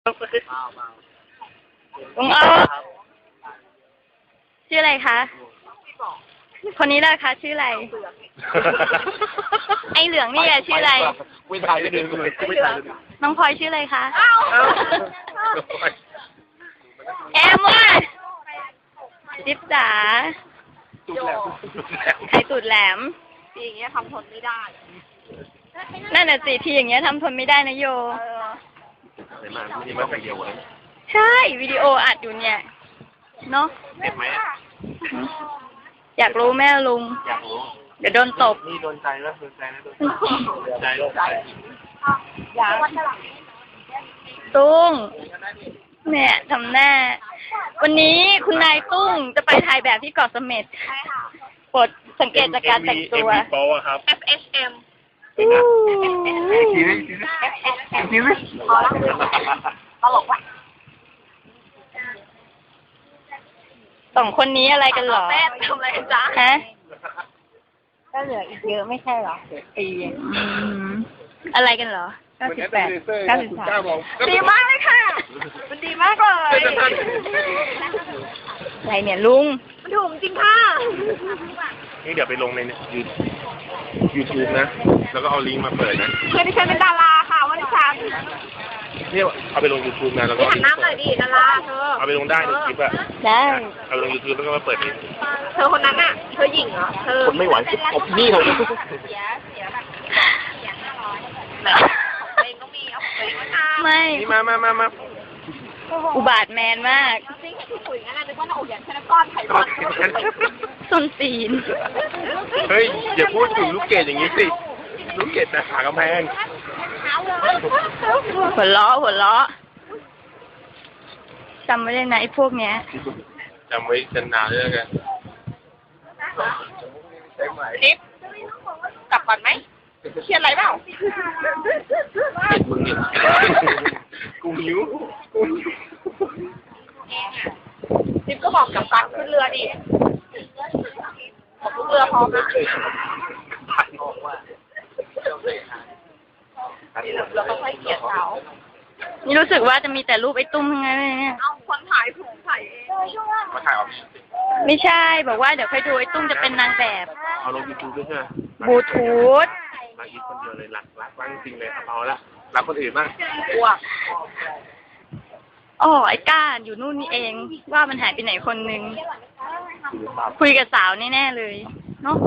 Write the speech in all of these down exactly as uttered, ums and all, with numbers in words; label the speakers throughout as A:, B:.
A: ลุงอ้อชื่ออะไรคะคนนี้แหละคะชื่ออะไรไอเหลืองนี่แหละชื่ออะไร
B: ไม่ถ่ายไม่ดึงเลยไม่ถ่าย
A: น้องพลอยชื่ออะไรคะแอมว่ะจิ๊บจ๋าไข่ตูดแหลม
C: ทีอย่างเงี้ยทำทนไม่ได้
A: นั่นน่ะสิทีอย่างเงี้ยทำทนไม่ได้นะโย
B: ไหนมาที่มาไปเดียวเลย
A: ใช่วิดีโออัดอยู่เนี่ยเนาะ
B: เจ็บไหม
A: อยากรู้แม่ลุง
B: อยากรู้
A: เดี๋ยวโดนตบ
B: นี่โดนใจแล้วโดนใจแล้วโดนใจโดนใจ
C: อยาก
A: ตุ้งเนี่ยทำหน้าวันนี้คุณนายตุ้งจะไปถ่ายแบบที่เกาะเสม็ดโปรดสังเกตจากการแต่งตัว
B: เอ็ม วี โปรครับ
C: เอฟ เอช เอ็ม
B: ทีนี้ทีนี้ทีนี้
C: พอละตลกว่ะ
A: สองคนนี้อะไรกันหรอ
C: แม่ทำอะไรกันจ๊ะ
A: ฮะ
C: ก็เหลืออีกเยอะไม่ใช่หรอปี
A: อะไรกันเหรอ
C: เก้าสิบแปดเก้าสิบสามดีมากเลยค่ะมันดีมากเลย
A: อะไรเนี่ยลุง
C: มันถูกจริงค่ะ
B: นี่เดี๋ยวไปลงในยูทูบนะแล้วก็เอาลิงก์มาเปิดนะ
C: เพื่อนที่ฉันเป็นดาราค่ะวันที่ฉัน
B: เนี่ยเอาไปลงยูทูบนะแล้วก็
C: หันหน้าหน่อยดิดาราเธอ
B: เอาไปลงได้ในคลิปอะ
A: ได้
B: เอาไปลงยูทูบแล้วก็มาเปิดเอง
C: เธอคนนั้นอะเธอหญิงเหรอเธอ
B: คนไม่ไหวอบนี่เขาเนี่ย
A: ไม่
B: นี่มามามามา
A: อุบาทแมนมาก
C: จริงที่คุยงั้นนะนึกว่าเราอย่างแค่ก้อนไข่ก้อน
A: ส้นตีน
B: เฮ้ยอย่าพูดถึงลูกเกดอย่างนี้สิลูกเกดนะหากำแพง
A: หัวล้อหัวล้อจำไว้เลยนะไอ้พวกเนี้ย
B: จำไว้จนนานเลยกัน
C: ทิปกลับก่อนไหมเครียดอะไรเปล่า
B: มึงเนี่ยกูหิว
C: ทิปก็บอกกับการขึ้นเรือดิบอกลูกเรือพร้อมนะเราต้องให้เกียรติเขา
A: นี่รู้สึกว่าจะมีแต่รูปไอ้ตุ้มทั้งนั้นเลยเนี่ย
C: เอาคนถ่ายผมถ่ายเอง
B: มาถ่ายออก
A: ไม่ใช่บอกว่าเดี๋ยวค่อยดูไอ้ตุ้มจะเป็นนางแบบ
B: เอาลงยูทูบด้วยใช่ไหม
A: บลูทูธ
B: รักอีกคนเดียวเลยรักรักรักจริงเลยเอาละรักคนอื่นบ้าง
C: กลัว
A: อ๋อไอ้ก้าอยู่นู่นนี่เองว่ามันหายไปไหนคนนึงคุยกับสาวแน่ๆเลยเนาะ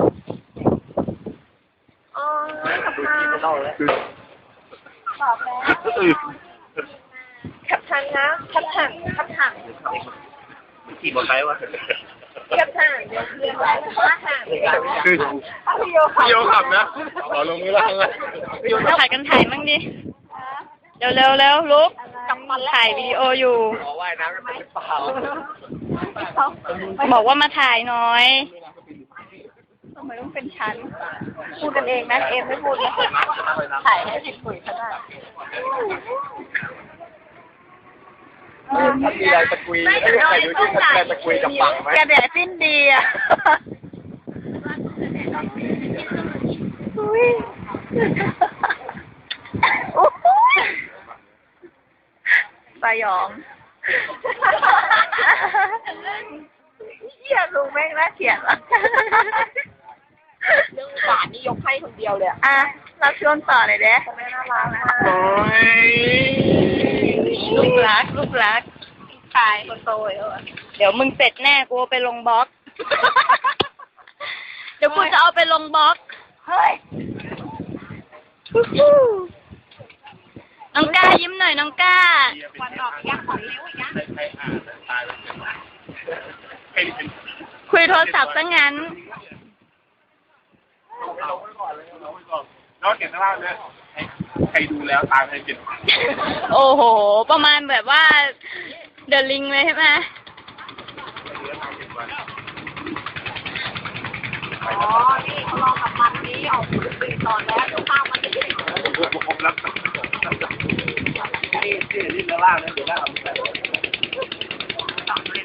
C: อ๋อขับมาบอกแล้วขับทันนะขับทันขับทัน
B: ขี่มอเตอร์ไซค์วะ
C: ขับทันเดี๋ยวเรียนไว้ขับทัน
B: คือพี่โยขับนะขอลงมือล่างเลย
A: ถ่ายกันถ่ายมั่งดิเร็วเร็วเร็วลุกถ่ายวิดีโออยู่
B: ขอว่ายน้ำไม่เปล่า
A: บอกว่ามาถ่ายหน่อยทำไมต้องเป็นฉันพูดกันเองนะเอ็มไม่พูดนะถ่ายให้ติดปุ๋ยขนาด
B: มีอะไรตะกุยไม่ใครดูที่ใครตะกุยกับปังไหม
A: แกแดดสิ้นดีอ่ะสยองเหี้ยลุงแม่งน่าเกลียดอ่ะ
C: เรื่องบาทนี่ยกให้คนเดียวเลย
A: อ่ะรับชวนต่อเลยเด้
C: แม่น่ารักนะ
B: โอ้ย
A: ลูกรักลูกรัก
C: ตายคนโตเออ
A: เดี๋ยวมึงเสร็จแน่กูไปลงบล็อกเดี๋ยวกูจะเอาไปลงบล็อกเฮ้ยน้องก้ายิ้มหน่อยน้องก้า
C: ควันออกยักษ์ของนิ้วยักษ์
A: คุยโทรศัพท์ซะงั้น
B: แล้วเก็บข้างล่างเนี่ยใครดูแล้วตามใครเก็บ
A: โอ้โหประมาณแบบว่าเดอะลิงเลยใช่ไหม
C: อ๋อนี่เขาลองกับมันนี้ออกสื่อตอนแล้วเดี๋ยวข้าวมันจะได้
B: ผมรับนี่นี่นี่ข้างล่างนะเดี๋ยวได้เอาไปใส่